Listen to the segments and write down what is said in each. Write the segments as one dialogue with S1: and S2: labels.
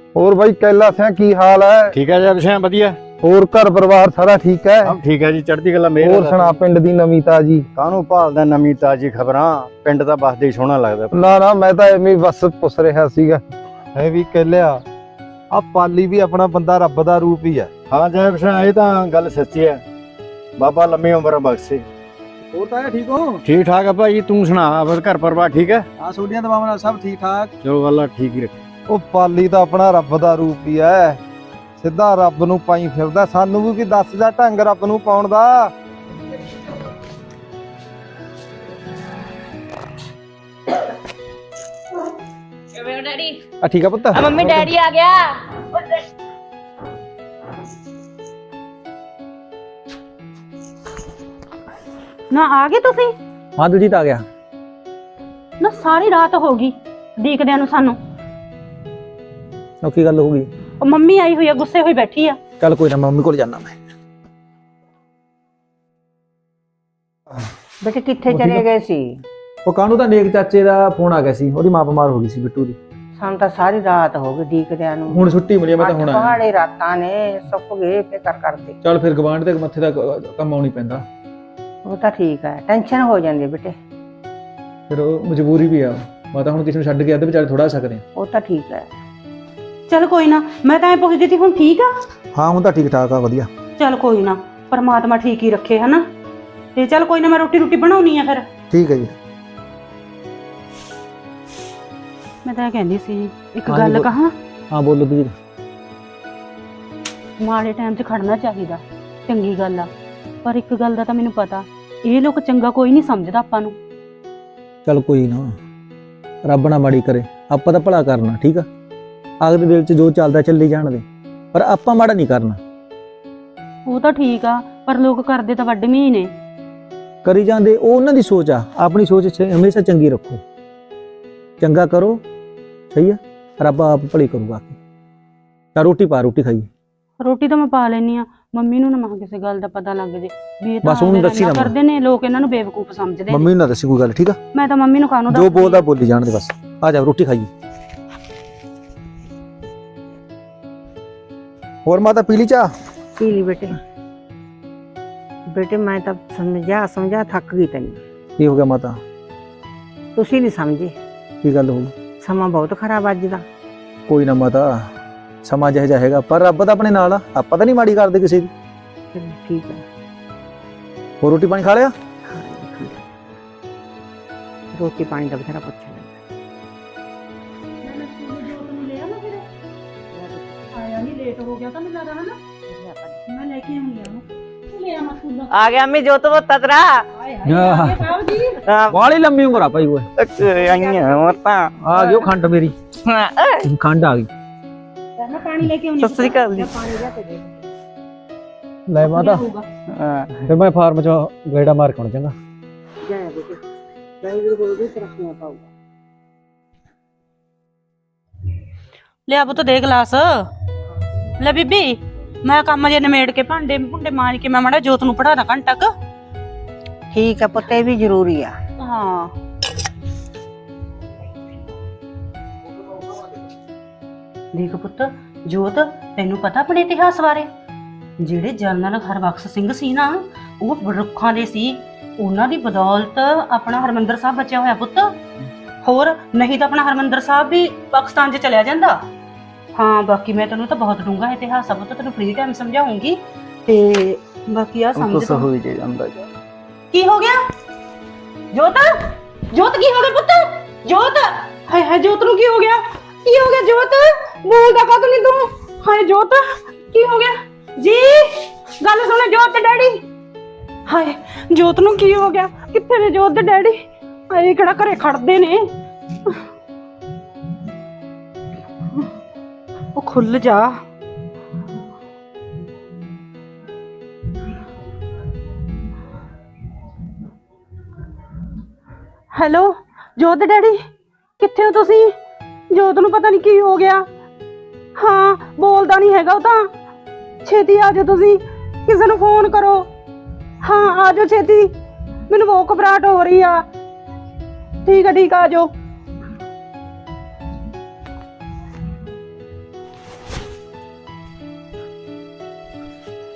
S1: ਹੋਰ ਬਾਈ कैला सिंह की हाल है?
S2: ठीक है जब सिंह वधिया।
S1: ਹੋਰ ਘਰ ਪਰਿਵਾਰ ਸਾਰਾ ਠੀਕ ਹੈ?
S2: ਸਭ ਠੀਕ ਹੈ ਜੀ, ਚੜ੍ਹਦੀ ਕਲਾ ਮੇਰ।
S1: ਹੋਰ ਸੁਣਾ ਪਿੰਡ ਦੀ ਨਵੀਂ ਤਾਜੀ?
S2: ਕਾਹਨੂੰ ਭਾਲਦਾ ਨਵੀਂ ਤਾਜੀ ਖਬਰਾਂ? ਪਿੰਡ ਦਾ ਬਸਦੇ ਹੀ ਸੋਹਣਾ ਲੱਗਦਾ।
S1: ਨਾ ਮੈਂ ਤਾਂ ਐਵੇਂ ਬਸ ਪੁੱਛ ਰਿਹਾ ਸੀਗਾ। ਐ ਵੀ ਕਹਿਲਿਆ ਆ ਪਾਲੀ ਵੀ ਆਪਣਾ ਬੰਦਾ ਰੱਬ ਦਾ ਰੂਪ ਹੀ ਹੈ।
S2: ਹਾਂ ਜੈਬ ਸਿੰਘ, ਇਹ ਤਾਂ ਗੱਲ ਸੱਚੀ ਹੈ। ਬਾਬਾ ਲੰਮੀ ਉਮਰ ਬਖਸ਼ੇ।
S3: ਹੋਰ ਤਾਂ ਠੀਕ ਹੋ?
S2: ਠੀਕ ਠਾਕ ਆ ਭਾਈ, ਤੂੰ ਸੁਣਾ ਆਪਣਾ ਘਰ ਪਰਿਵਾਰ ਠੀਕ ਹੈ?
S3: ਹਾਂ ਸੋਡੀਆਂ ਦਵਾਵਾਂ ਨਾਲ ਸਭ ਠੀਕ ਠਾਕ।
S2: ਚਲੋ ਗੱਲਾਂ ਠੀਕ ਹੀ ਰੱਖ।
S1: ਉਹ ਪਾਲੀ ਤਾਂ ਆਪਣਾ ਰੱਬ ਦਾ ਰੂਪ ਹੀ ਹੈ, ਸਿੱਧਾ ਰੱਬ ਨੂੰ ਪਾਈ ਫਿਰਦਾ। ਸਾਨੂੰ ਵੀ ਦੱਸ ਜਾ ਢੰਗ ਰੱਬ ਨੂੰ ਪਾਉਣ ਦਾ।
S4: ਕਿਵੇਂ ਡੈਡੀ?
S1: ਆ ਠੀਕ ਆ ਪੁੱਤ?
S4: ਆ ਮੰਮੀ ਡੈਡੀ ਆ ਗਿਆ।
S5: ਨਾ ਆ ਗਏ ਤੁਸੀਂ?
S1: ਹਾਂ ਦਲਜੀਤ ਆ ਗਿਆ।
S5: ਨਾ ਸਾਰੀ ਰਾਤ ਹੋ ਗਈ ਦੇਖਦਿਆਂ ਨੂੰ ਸਾਨੂੰ।
S1: ਉਹ ਕੀ ਗੱਲ ਹੋ ਗਈ?
S5: ਉਹ ਮੰਮੀ ਆਈ ਹੋਈ ਆ, ਗੁੱਸੇ ਹੋਈ ਬੈਠੀ ਆ।
S1: ਚੱਲ ਕੋਈ ਨਾ, ਮੰਮੀ ਕੋਲ ਜਾਣਾ ਮੈਂ।
S6: ਬੇਟੇ ਕਿੱਥੇ ਚਲੇ ਗਏ ਸੀ?
S7: ਉਹ ਕਾਹਨੂੰ ਤਾਂ ਨੇਕ ਚਾਚੇ ਦਾ ਫੋਨ ਆ ਗਿਆ ਸੀ, ਉਹਦੀ ਮਾਂ ਬਿਮਾਰ ਹੋ ਗਈ ਸੀ ਬਿੱਟੂ ਦੀ।
S6: ਸਾਨੂੰ ਤਾਂ ਸਾਰੀ ਰਾਤ ਹੋ ਗਈ ਡੀਕਦਿਆਂ ਨੂੰ।
S7: ਹੁਣ ਛੁੱਟੀ ਮਿਲੀ, ਮੈਂ ਤਾਂ ਹੁਣ ਆਇਆ।
S6: ਪਹਾੜੇ ਰਾਤਾਂ ਨੇ ਸੁੱਕ ਗਏ ਫਿਕਰ ਕਰਦੇ।
S7: ਚੱਲ ਫਿਰ ਗਵਾਂਢ ਦੇ ਮੱਥੇ ਦਾ ਕੰਮ ਆਉਣੀ ਪੈਂਦਾ।
S6: ਉਹ ਤਾਂ ਠੀਕ ਹੈ, ਟੈਨਸ਼ਨ ਹੋ ਜਾਂਦੀ ਹੈ ਬੇਟੇ।
S7: ਫਿਰ ਉਹ ਮਜਬੂਰੀ ਵੀ ਆ, ਮੈਂ ਤਾਂ ਹੁਣ ਕਿਸੇ ਨੂੰ ਛੱਡ ਕੇ ਆਦੇ ਵਿਚਾਰੇ ਥੋੜਾ ਸਕਦੇ ਆ।
S6: ਉਹ ਤਾਂ ਠੀਕ ਹੈ।
S5: ਚੱਲ ਕੋਈ ਨਾ, ਮੈਂ ਤਾਂ ਐ ਪੁੱਛਦੀ ਸੀ ਹੁਣ ਠੀਕ ਆ?
S1: ਹਾਂ ਹੁਣ ਤਾਂ ਠੀਕ ਠਾਕ ਆ, ਵਧੀਆ।
S5: ਚੱਲ ਕੋਈ ਨਾ, ਪਰਮਾਤਮਾ ਠੀਕ ਹੀ ਰੱਖੇ ਹਨਾ। ਤੇ ਚੱਲ ਕੋਈ ਨਾ, ਮੈਂ ਰੋਟੀ ਬਣਾਉਣੀ ਆ ਫਿਰ।
S1: ਠੀਕ ਹੈ ਜੀ।
S5: ਮੈਂ ਤਾਂ ਇਹ ਕਹਿੰਦੀ ਸੀ ਇੱਕ
S7: ਹਾਂਜੀ,
S5: ਗੱਲ ਕਹਾਂ।
S7: ਹਾਂ ਬੋਲੋ ਦੀਦੀ।
S5: ਮਾੜੇ ਟਾਈਮ 'ਚ ਖੜਨਾ ਚਾਹੀਦਾ, ਚੰਗੀ ਗੱਲ ਆ। ਪਰ ਇੱਕ ਗੱਲ ਦਾ ਤਾਂ ਮੈਨੂੰ ਪਤਾ, ਇਹ ਲੋਕ ਚੰਗਾ ਕੋਈ ਨਹੀਂ ਸਮਝਦਾ ਆਪਾਂ ਨੂੰ।
S7: ਚੱਲ ਕੋਈ ਨਾ, ਰੱਬ ਨਾ ਮਾੜੀ ਕਰੇ, ਆਪਾਂ ਤਾਂ ਭਲਾ ਕਰਨਾ। ਠੀਕ ਆ, ਅਗਲੇ ਦਿਲ 'ਚ ਜੋ ਚੱਲਦਾ ਚੱਲੀ ਜਾਣ ਦੇ, ਪਰ ਆਪਾਂ ਮਾੜਾ ਨਹੀਂ ਕਰਨਾ।
S5: ਉਹ ਤਾਂ ਠੀਕ ਆ, ਪਰ ਲੋਕ ਕਰਦੇ ਤਾਂ ਵੱਡਵੀਂ ਹੀ ਨੇ।
S7: ਕਰੀ ਜਾਂਦੇ, ਉਹ ਉਹਨਾਂ ਦੀ ਸੋਚ ਆ। ਆਪਣੀ ਸੋਚ ਹਮੇਸ਼ਾ ਚੰਗੀ ਰੱਖੋ, ਚੰਗਾ ਕਰੋ। ਸਹੀ ਆ, ਰੱਬ ਆਪ ਭਲੀ ਕਰੂਗਾ। ਤਾਂ ਰੋਟੀ ਪਾ, ਰੋਟੀ ਖਾਈਏ।
S5: ਰੋਟੀ ਤਾਂ ਮੈਂ ਪਾ ਲੈਣੀ ਆ। ਮੰਮੀ ਨੂੰ ਨਾ ਮੈਂ ਕਿਸੇ ਗੱਲ ਦਾ ਪਤਾ ਲੱਗ ਜੇ ਵੀ ਇਹ ਤਾਂ
S7: ਬਸ ਉਹਨੂੰ ਦੱਸੀ ਨਾ
S5: ਕਰਦੇ ਨੇ ਲੋਕ, ਇਹਨਾਂ ਨੂੰ ਬੇਵਕੂਫ ਸਮਝਦੇ ਨੇ।
S7: ਮੰਮੀ ਨੂੰ ਨਾ ਦੱਸੀ ਕੋਈ ਗੱਲ, ਠੀਕ ਆ?
S5: ਮੈਂ ਤਾਂ ਮੰਮੀ ਨੂੰ ਕਾਹਨੂੰ
S7: ਜੋ ਬੋਲਦਾ ਬੋਲੀ ਜਾਣ ਦੇ, ਬਸ ਆ ਜਾ ਰੋਟੀ ਖਾਈਏ।
S1: ਹੋਰ ਮਾਤਾ ਪੀ ਲਈ ਚਾਹ?
S6: ਪੀ ਲਈ ਬੇਟੇ। ਬੇਟੇ ਮੈਂ ਤਾਂ ਸਮਝਾ ਥੱਕ ਗਈ ਤੈਨੂੰ।
S7: ਕੀ ਹੋ ਗਿਆ ਮਾਤਾ?
S6: ਤੁਸੀਂ ਨਹੀਂ ਸਮਝੇ।
S7: ਕੀ ਗੱਲ ਹੋ ਗਈ?
S6: ਸਮਾਂ ਬਹੁਤ ਖਰਾਬ ਅੱਜ ਦਾ।
S7: ਕੋਈ ਨਾ ਮਾਤਾ, ਸਮਾਂ ਜਿਹੋ ਜਿਹਾ ਹੈਗਾ, ਪਰ ਰੱਬ ਤਾਂ ਆਪਣੇ ਨਾਲ ਆ। ਆਪਾਂ ਤਾਂ ਨਹੀਂ ਮਾੜੀ ਕਰਦੇ ਕਿਸੇ ਦੀ।
S6: ਚਲੋ ਠੀਕ ਹੈ।
S7: ਹੋਰ ਰੋਟੀ ਪਾਣੀ ਖਾ ਲਿਆ?
S6: ਰੋਟੀ ਪਾਣੀ ਦਾ ਬਥੇਰਾ ਪੁੱਛਿਆ।
S5: ਆਇਆ ਨਹੀਂ, ਲੇਟ ਹੋ ਗਿਆ ਤਾਂ ਮੈਨੂੰ ਲੱਗਦਾ ਹਨਾ। ਮੈਂ ਲੈ ਕੇ ਆਉਂਗੀ ਉਹਨੂੰ। ਲੈ ਆ ਮਸੂਲਾ।
S6: ਆ ਗਿਆ ਮੈਂ ਜੋਤ ਬੋਤਾ ਤੇਰਾ।
S5: ਸਾਹਿਬ ਜੀ
S7: ਵਾਲੀ ਲੰਮੀ ਉਮਰ ਆ ਭਾਈ। ਓਏ
S6: ਆਈਆਂ ਮਤਾਂ
S7: ਆ ਗਿਓ ਖੰਡ ਮੇਰੀ। ਖੰਡ ਆ ਗਈ।
S5: ਮੈਂ ਪਾਣੀ ਲੈ ਕੇ ਆਉਂਗੀ।
S6: ਸਤਿ ਸ੍ਰੀ ਅਕਾਲ ਜੀ।
S5: ਪਾਣੀ ਲਿਆ ਕੇ ਦੇ।
S7: ਲੈ ਮਾਤਾ, ਫਿਰ ਮੈਂ ਫਾਰਮ ਚ ਗੇੜਾ ਮਾਰ ਕੇ ਆਉਣਾ ਚੰਗਾ।
S6: ਜੈ ਬੇਟੇ, ਵਾਹਿਗੁਰੂ ਬੋਲਦੇ ਤਰੱਕੀਆਂ ਪਾਊਗਾ।
S5: ਲਿਆ ਪੁੱਤ ਦੇ ਗਲਾਸ। ਲੈ ਬੀਬੀ, ਮੈਂ ਕੰਮ ਜੇ ਨਿਮੇੜ ਕੇ ਭਾਂਡੇ ਭੁੰਡੇ ਮਾਂਜ ਕੇ ਮੈਂ ਮਾੜਾ ਜੋਤ ਨੂੰ ਪੜਾਦਾ ਘੰਟਾ ਕੁ।
S6: ਠੀਕ ਹੈ ਪੁੱਤ, ਇਹ ਵੀ ਜ਼ਰੂਰੀ ਆ।
S5: ਹਾਂ ਦੇਖ ਪੁੱਤ, ਜੋਤ ਤੈਨੂੰ ਪਤਾ ਆਪਣੇ ਇਤਿਹਾਸ ਬਾਰੇ? ਜਿਹੜੇ ਜਨਰਲ ਹਰਬਖਸ਼ ਸਿੰਘ ਸੀ ਨਾ, ਉਹ ਰੁੱਖਾਂ ਦੇ ਸੀ। ਉਹਨਾਂ ਦੀ ਬਦੌਲਤ ਆਪਣਾ ਹਰਮੰਦਰ ਸਾਹਿਬ ਬਚਿਆ ਹੋਇਆ ਪੁੱਤ। ਹੋਰ ਨਹੀਂ ਤਾਂ ਆਪਣਾ ਹਰਮੰਦਰ ਸਾਹਿਬ ਵੀ ਪਾਕਿਸਤਾਨ 'ਚ ਚਲਿਆ ਜਾਂਦਾ। ਹਾਂ ਬਾਕੀ ਮੈਂ ਤੈਨੂੰ ਤਾਂ ਬਹੁਤ ਡੂੰਘਾ ਇਤਿਹਾਸ ਆ ਪੁੱਤ, ਤੈਨੂੰ ਫ੍ਰੀ ਟਾਈਮ ਸਮਝਾਉਂਗੀ। ਤੇ ਬਾਕੀ ਆ ਸਮਝ ਤੂੰ।
S7: ਹੋਈ ਜੇ ਜਾਂਦਾ ਜਾ।
S5: ਕੀ ਹੋ ਗਿਆ ਜੋਤ? ਜੋਤ ਕੀ ਹੋ ਗਿਆ ਪੁੱਤ? ਜੋਤ, ਹਾਏ ਹਾਏ ਜੋਤ ਨੂੰ ਕੀ ਹੋ ਗਿਆ? ਕੀ ਹੋ ਗਿਆ ਜੋਤ? ਬੋਲਦਾ ਕਦ ਨਹੀਂ ਤੂੰ? ਹਾਏ ਜੋਤ ਕੀ ਹੋ ਗਿਆ ਜੀ? ਗੱਲ ਸੁਣ ਜੋਤ ਤੇ ਡੈਡੀ। ਹਾਏ ਜੋਤ ਨੂੰ ਕੀ ਹੋ ਗਿਆ? ਕਿੱਥੇ ਨੇ ਜੋਤ ਤੇ ਡੈਡੀ? ਹਾਏ ਕਿਹੜਾ ਘਰੇ ਖੜਦੇ ਨੇ? ਉਹ ਖੁੱਲ ਜਾ। ਹੈਲੋ ਜੋਤ ਡੈਡੀ, ਕਿੱਥੇ ਹੋ ਤੁਸੀਂ? ਜੋਤ ਨੂੰ ਪਤਾ ਨਹੀਂ ਕੀ ਹੋ ਗਿਆ। ਹਾਂ ਬੋਲਦਾ ਨਹੀਂ ਹੈਗਾ ਉਹ ਤਾਂ। ਛੇਤੀ ਆ ਜਾਓ ਤੁਸੀਂ, ਕਿਸੇ ਨੂੰ ਫੋਨ ਕਰੋ। ਹਾਂ ਆ ਜਾਓ ਛੇਤੀ, ਮੈਨੂੰ ਬਹੁਤ ਘਬਰਾਹਟ ਹੋ ਰਹੀ ਆ। ਠੀਕ ਆ ਆ ਜਾਓ।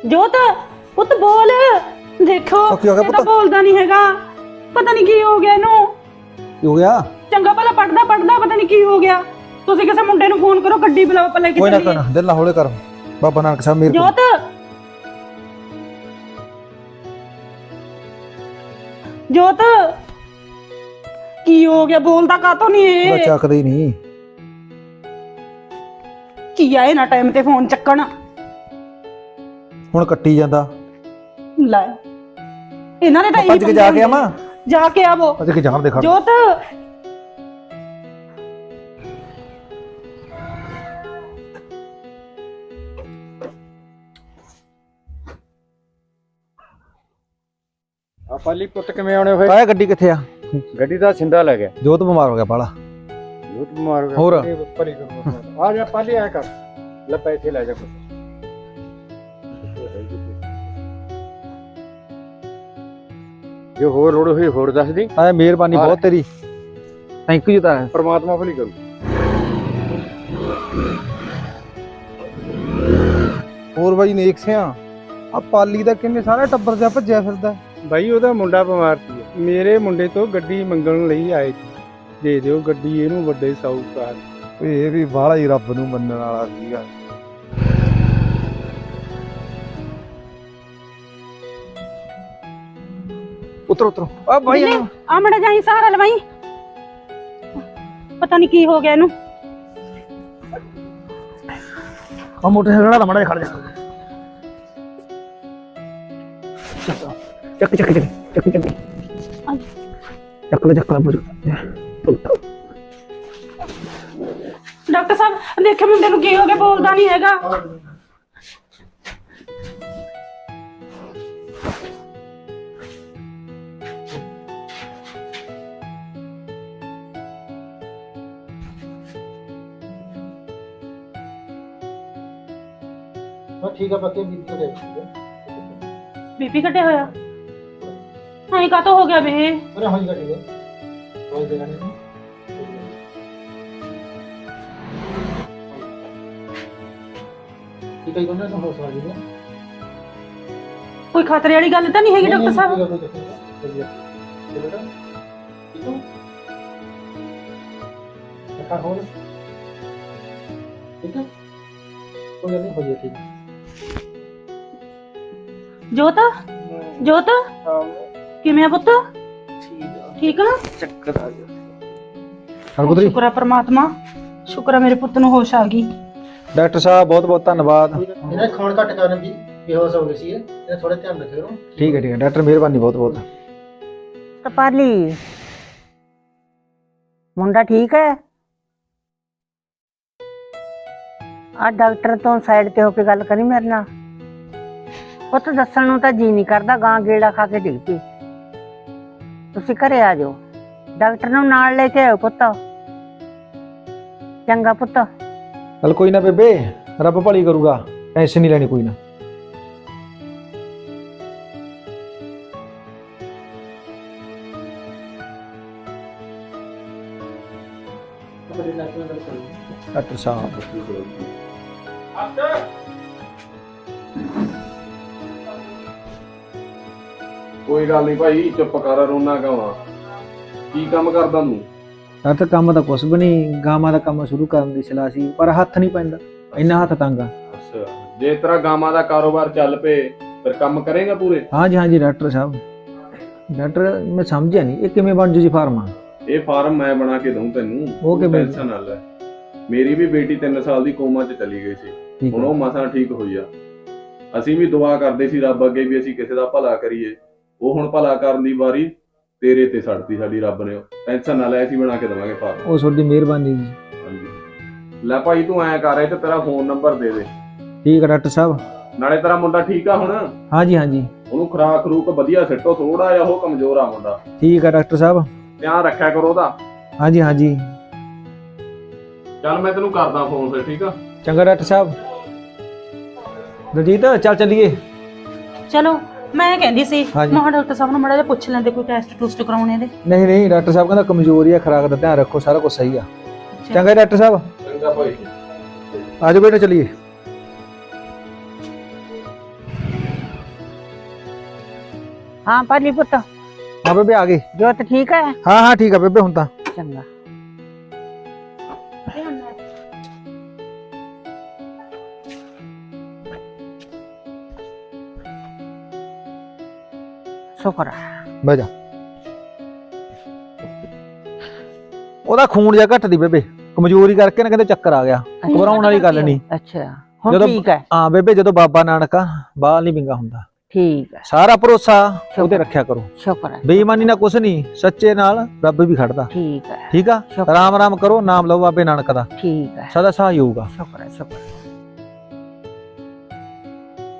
S5: ਜੋਤ ਪੁੱਤ ਬੋਲ। ਦੇਖੋ
S7: ਉਹ ਕੀ ਹੋ ਗਿਆ
S5: ਇਹ ਤਾਂ
S7: ਪੁੱਤ?
S5: ਬੋਲਦਾ ਨਹੀਂ ਹੈਗਾ, ਪਤਾ ਨਹੀਂ ਕੀ ਹੋ ਗਿਆ ਇਹਨੂੰ।
S7: ਕੀ ਹੋ ਗਿਆ?
S5: ਚੰਗਾ ਭਲਾ ਪੜਦਾ ਪਤਾ ਨਹੀਂ ਕੀ ਹੋ ਗਿਆ। ਤੁਸੀਂ ਕਿਸੇ ਮੁੰਡੇ ਨੂੰ ਫੋਨ ਕਰੋ, ਗੱਡੀ ਬੁਲਾਓ ਪਹਿਲਾਂ
S7: ਕੋਈ ਨਾ
S5: ਕਿਤੇ।
S7: ਕੋਈ ਨਾ, ਦਿਲ ਨਾ ਹੌਲੇ ਕਰ। ਬਾਬਾ ਨਾਨਕ ਸਾਹਿਬ ਮੇਰੇ ਕੋਲ
S5: ਜੋਤ ਜੋਤ ਕੀ ਹੋ ਗਿਆ? ਬੋਲਦਾ ਕਾਤੋਂ ਨਹੀਂ
S7: ਉਹਦਾ
S5: ਇਹ?
S7: ਚੱਕਦਾ ਹੀ ਨਹੀਂ।
S5: ਕੀ ਆਏ ਨਾ ਟਾਈਮ ਤੇ ਫੋਨ ਚੱਕਣ।
S7: ਹੁਣ ਕੱਟੀ ਜਾਂਦਾ।
S5: ਲੈ ਇਹਨਾਂ ਨੇ ਤਾਂ
S7: ਭੱਜ ਕੇ ਜਾ ਕੇ ਆਵਾਂ।
S5: ਜਾ ਕੇ ਆਵੋ।
S7: ਭੱਜ ਕੇ ਜਾਣ ਦੇ ਖੜ।
S5: ਜੋਤ
S2: ਆ ਪਾਲੀ ਪੁੱਤ ਕਿਵੇਂ ਆਉਣੇ ਹੋਏ?
S7: ਆਇਆ ਗੱਡੀ ਕਿੱਥੇ ਆ?
S2: ਗੱਡੀ ਦਾ ਸਿੰਦਾ ਲੈ ਗਿਆ।
S7: ਜੋਤ ਬਿਮਾਰ ਹੋ ਗਿਆ ਬਾਲਾ।
S2: ਬਹੁਤ ਬਿਮਾਰ ਹੋ ਗਿਆ।
S7: ਹੋਰ?
S2: ਭਲੀ ਕਰੂਗਾ। ਆ ਜਾ ਪਾਲੀ ਆ ਕਰ ਲੈ ਪੈਸੇ ਲੈ ਜਾ ਪੁੱਤ। ਜੋ ਹੋਰ ਲੋੜ ਹੋਈ ਹੋਰ ਦੱਸ ਦੀ।
S7: ਆਇਆ ਮਿਹਰਬਾਨੀ ਬਹੁਤ ਤੇਰੀ। ਥੈਂਕ ਯੂ ਤਾਂ।
S2: ਪਰਮਾਤਮਾ ਭਲੀ ਕਰੂ।
S1: ਹੋਰ ਬਾਈ ਨੇਕ ਸਿਆ ਆ ਪਾਲੀ ਦਾ ਕਿੰਨੇ ਸਾਰਾ ਟੱਬਰ ਜਿਹਾ ਭੱਜਿਆ ਫਿਰਦਾ।
S3: ਬਾਈ ਉਹਦਾ ਮੁੰਡਾ ਬਿਮਾਰ ਸੀ, ਮੇਰੇ ਮੁੰਡੇ ਤੋਂ ਗੱਡੀ ਮੰਗਣ ਲਈ ਆਏ ਸੀ। ਦੇ ਦਿਓ ਗੱਡੀ ਇਹਨੂੰ, ਵੱਡੇ ਸਾਊਕਾਰ।
S1: ਓਏ ਇਹ ਵੀ ਬਾਹਲਾ ਹੀ ਰੱਬ ਨੂੰ ਮੰਨਣ ਵਾਲਾ ਸੀਗਾ।
S7: ਉਤਰੋ ਉਤਰੋ। ਆ ਭਾਈ
S5: ਆ ਮੜਾ ਜਾਈ ਸਹਾਰਾ ਲਵਾਈ। ਪਤਾ ਨਹੀਂ ਕੀ ਹੋ ਗਿਆ ਇਹਨੂੰ।
S7: ਆ ਮੋਟਰਸਾਈਕਲ ਦਾ ਮੜਾ ਖੜ ਜਾ। ਚੱਕ ਚੱਕ ਚੱਕ ਚੱਕ ਚੱਕ ਚੱਕ ਲੈ ਚੱਕ ਲੈ।
S5: ਡਾਕਟਰ ਸਾਹਿਬ ਦੇਖੇ ਮੁੰਡੇ ਨੂੰ ਕੀ ਹੋ ਗਿਆ? ਬੋਲਦਾ ਨਹੀਂ ਹੈਗਾ।
S7: ਠੀਕ ਆ ਬੱਕੇ ਬੀਬੀ ਕੋ ਦੇ।
S5: ਬੀਪੀ ਘਟਿਆ ਹੋਇਆ ਐਂ ਕਾਤੋਂ ਹੋ ਗਿਆ ਵੇ?
S7: ਅਰੇ ਹਾਂ ਜੀ ਗੱਡੀ ਦੇ ਕੋਈ ਦੇਣਾ ਨਹੀਂ। ਠੀਕ ਹੈ ਕੋਨੇ ਤੋਂ ਹੋ ਸਕਦੀ ਹੈ।
S5: ਕੋਈ ਖਤਰੇ ਵਾਲੀ ਗੱਲ ਤਾਂ ਨਹੀਂ ਹੈਗੀ ਡਾਕਟਰ ਸਾਹਿਬ? ਜੋਤ ਜੋਤ ਕਿਵੇਂ ਆ ਪੁੱਤ? ਠੀਕ ਆ?
S3: ਚੱਕਰ ਆ ਗਿਆ।
S7: ਹਰਪੁੱਤਰੀ
S5: ਸ਼ੁਕਰ ਆ ਪ੍ਰਮਾਤਮਾ, ਸ਼ੁਕਰ ਆ ਮੇਰੇ ਪੁੱਤ ਨੂੰ ਹੋਸ਼ ਆ ਗਈ।
S7: ਡਾਕਟਰ ਸਾਹਿਬ ਬਹੁਤ ਬਹੁਤ ਧੰਨਵਾਦ।
S8: ਇਹਨਾਂ ਖਾਣ ਘੱਟ ਕਰਨ ਦੀ ਬੇਹੋਸ਼ ਹੋ ਗਈ ਸੀ ਇਹ ਥੋੜਾ ਧਿਆਨ ਰੱਖਿਓ।
S7: ਠੀਕ ਹੈ ਡਾਕਟਰ ਮਿਹਰਬਾਨੀ ਬਹੁਤ ਬਹੁਤ।
S6: ਕਪਾਲੀ ਮੁੰਡਾ ਠੀਕ ਹੈ? ਆ ਡਾਕਟਰ ਤੋਂ ਸਾਈਡ ਤੇ ਹੋ ਕੇ ਗੱਲ ਕਰੀ ਮੇਰੇ ਨਾਲ। ਪੁੱਤ ਦੱਸਣ ਨੂੰ ਤਾਂ ਜੀ ਨਹੀਂ ਕਰਦਾ, ਗਾਂ ਗੇੜਾ ਖਾ ਕੇ ਡਿੱਗ ਪਈ। ਤੁਸੀਂ ਘਰੇ ਆ ਜਾਓ, ਡਾਕਟਰ ਨੂੰ ਨਾਲ ਲੈ ਕੇ ਆਓ ਪੁੱਤ। ਚੰਗਾ ਪੁੱਤ।
S7: ਚਲ ਕੋਈ ਨਾ ਬੇਬੇ, ਰੱਬ ਭਲੀ ਕਰੂਗਾ, ਟੈਨਸ਼ਨ ਨਹੀਂ ਲੈਣੀ ਕੋਈ ਨਾ। ਡਾਕਟਰ ਸਾਹਿਬ
S9: ਕੋਈ ਗੱਲ ਨਹੀਂ ਭਾਈ, ਚੁੱਪ ਕਰ, ਰੋਣਾ ਕਿਉਂ? ਕੀ ਕੰਮ ਕਰਦਾ ਤੂੰ?
S7: ਤਾਂ ਕੰਮ ਤਾਂ ਕੁਛ ਵੀ ਨਹੀਂ, ਗਾਵਾਂ ਦਾ ਕੰਮ ਸ਼ੁਰੂ ਕਰਨ ਦੀ ਸਲਾਹ ਸੀ, ਪਰ ਹੱਥ ਨਹੀਂ ਪੈਂਦਾ, ਇੰਨਾ ਹੱਥ ਤੰਗ ਆ।
S9: ਅੱਛਾ, ਜੇ ਤੇਰਾ ਗਾਵਾਂ ਦਾ ਕਾਰੋਬਾਰ ਚੱਲ ਪਏ ਫਿਰ ਕੰਮ ਕਰੇਗਾ ਪੂਰੇ?
S7: ਹਾਂਜੀ ਹਾਂਜੀ ਡਾਕਟਰ ਸਾਹਿਬ। ਡਾਕਟਰ ਮੈਂ ਸਮਝਿਆ ਨਹੀਂ, ਇਹ ਕਿਵੇਂ ਬਣ ਜੂ ਜੀ ਫਾਰਮ?
S9: ਇਹ ਫਾਰਮ ਮੈਂ ਬਣਾ ਕੇ ਦਊਂ ਤੈਨੂੰ,
S7: ਉਹ ਕਿਵੇਂ?
S9: ਟੈਨਸ਼ਨ ਨਾ ਲੈ। ਮੇਰੀ ਵੀ ਬੇਟੀ 3 ਸਾਲ ਦੀ ਕੋਮਾ 'ਚ ਚਲੀ ਗਈ ਸੀ,
S7: ਠੀਕ
S9: ਹੁਣ ਉਹ ਮਸਾਂ ਠੀਕ ਹੋਈ ਆ। ਅਸੀਂ ਵੀ ਦੁਆ ਕਰਦੇ ਸੀ ਰੱਬ ਅੱਗੇ ਵੀ ਅਸੀਂ ਕਿਸੇ ਦਾ ਭਲਾ ਕਰੀਏ, ਉਹ ਹੁਣ ਭਲਾ ਕਰਨ ਦੀ ਵਾਰੀ ਤੇਰੇ ਤੇ ਛੱਡਤੀ ਸਾਡੀ ਰੱਬ ਨੇ। ਟੈਨਸ਼ਨ ਨਾ ਲੈ, ਅਸੀਂ ਬਣਾ ਕੇ ਦੇਵਾਂਗੇ ਫਾਰਮ।
S7: ਉਹ ਤੁਹਾਡੀ ਮਿਹਰਬਾਨੀ ਜੀ।
S9: ਹਾਂਜੀ ਲੈ ਭਾਈ, ਤੂੰ ਐਂ ਕਰ, ਤੇ ਤੇਰਾ ਫੋਨ ਨੰਬਰ ਦੇ ਦੇ।
S7: ਠੀਕ ਹੈ ਡਾਕਟਰ ਸਾਹਿਬ।
S9: ਨਾਲੇ ਤੇਰਾ ਮੁੰਡਾ ਠੀਕ ਆ ਹੁਣ?
S7: ਹਾਂਜੀ ਹਾਂਜੀ
S9: ਉਹਨੂੰ ਖੁਰਾਕ ਖਰੂਕ ਵਧੀਆ ਸਿੱਟੋ, ਥੋੜਾ ਜਿਹਾ ਉਹ ਕਮਜ਼ੋਰ ਆ ਮੁੰਡਾ,
S7: ਠੀਕ ਹੈ ਡਾਕਟਰ ਸਾਹਿਬ।
S9: ਧਿਆਨ ਰੱਖਿਆ ਕਰੋ ਉਹਦਾ।
S7: ਹਾਂਜੀ ਹਾਂਜੀ
S9: ਚੱਲ ਮੈਂ ਤੈਨੂੰ ਕਰਦਾ ਫੋਨ ਫਿਰ, ਠੀਕ ਆ?
S7: ਚੰਗਾ ਡਾਕਟਰ ਸਾਹਿਬ। ਰਜੀਤ ਚੱਲ ਚੱਲੀਏ।
S5: ਚਲੋ ਮੈਂ ਕਹਿੰਦੀ ਸੀ
S7: ਹਾਂਜੀ।
S5: ਮਹਾ ਡਾਕਟਰ ਸਾਹਿਬ ਨੂੰ ਮੜਾ ਜਿਹਾ ਪੁੱਛ ਲੈਂਦੇ, ਕੋਈ ਟੈਸਟ ਟੂਸਟ ਕਰਾਉਣੇ ਦੇ।
S7: ਨਹੀਂ ਨਹੀਂ ਡਾਕਟਰ ਸਾਹਿਬ ਕਹਿੰਦਾ ਕਮਜ਼ੋਰੀ ਆ, ਖੁਰਾਕ ਦਾ ਧਿਆਨ ਰੱਖੋ, ਸਾਰਾ ਕੁਝ ਸਹੀ ਆ। ਚੰਗਾ ਡਾਕਟਰ ਸਾਹਿਬ,
S9: ਚੰਗਾ ਭਾਈ।
S7: ਆਜੋ ਬੇਟਾ ਚੱਲੀਏ।
S6: ਹਾਂ ਪਾਲੀ ਪੁੱਤ,
S7: ਹਾਂ ਬੇਬੇ ਆ ਗਏ।
S6: ਜੋਤ ਠੀਕ ਹੈ?
S7: ਹਾਂ ਹਾਂ ਠੀਕ ਆ ਬੇਬੇ ਹੁਣ ਤਾਂ।
S6: ਚੰਗਾ। ਸ਼ੁਕਰ ਹੈ।
S7: ਬਹਿ ਜਾ। ਉਹਦਾ ਖੂਨ ਜਿਹਾ ਘੱਟ ਦੀ ਬੇਬੇ, ਕਮਜ਼ੋਰੀ ਕਰਕੇ ਨਾ ਕਹਿੰਦੇ ਚੱਕਰ ਆ ਗਿਆ। ਘਬਰਾਉਣ ਵਾਲੀ ਗੱਲ ਨਹੀਂ।
S6: ਅੱਛਾ ਹੁਣ ਠੀਕ ਹੈ?
S7: ਹਾਂ ਬੇਬੇ, ਜਦੋਂ ਬਾਬਾ ਨਾਨਕ ਆ ਬਾਲ ਨਹੀਂ ਵਿੰਗਾ ਹੁੰਦਾ।
S6: ਠੀਕ ਹੈ,
S7: ਸਾਰਾ ਭਰੋਸਾ ਉਹਦੇ ਰੱਖਿਆ ਕਰੋ।
S6: ਸ਼ੁਕਰ ਹੈ।
S7: ਬੇਈਮਾਨੀ ਨਾਲ ਕੁਛ ਨਹੀਂ, ਸੱਚੇ ਨਾਲ ਰੱਬ ਵੀ ਖੜਦਾ।
S6: ਠੀਕ ਹੈ,
S7: ਠੀਕ ਆ,
S6: ਸ਼ੁਕਰ।
S7: ਰਾਮ ਰਾਮ ਕਰੋ, ਨਾਮ ਲਓ ਬਾਬੇ ਨਾਨਕ ਦਾ,
S6: ਠੀਕ ਹੈ,
S7: ਸਦਾ ਸਹਾਈ ਹੋਊਗਾ।
S6: ਸ਼ੁਕਰ ਹੈ, ਸ਼ੁਕਰ ਹੈ।